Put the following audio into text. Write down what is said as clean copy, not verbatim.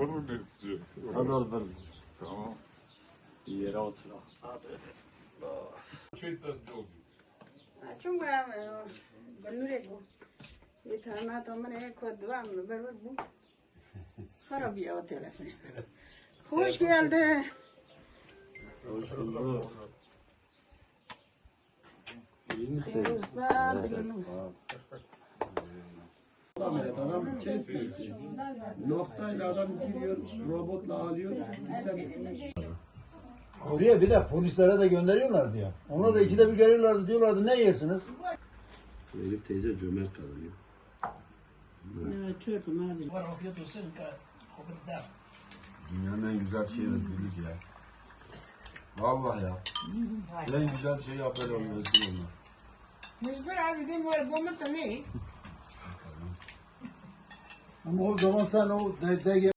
Olur mu ne diyecek? Hadi olur. Tamam. Bir yere oturalım. Şeytan oldu. Çünkü gönlüre bu. Yeterli tamamını kodlar mı? Böyle bu. Harap ya o telefon. Hoş geldi. Hoş bulduk. İyi misin? Feyruzlar, Yunus. Adam kesti. Noktayla adam giriyor, robotla alıyor. Oraya bir de polislere de gönderiyorlardı ya. Ona da ikide bir geliyorlardı, diyorlardı ne yersiniz? Elif teyze cömert kadın ya. Çöpü mazim. Dünyanın en güzel şeyi özgürlük ya. Vallahi ya. En güzel şey haber oluyor özgür olmak. Mecbur abi de var gomata ne? Ama o zaman sen o DG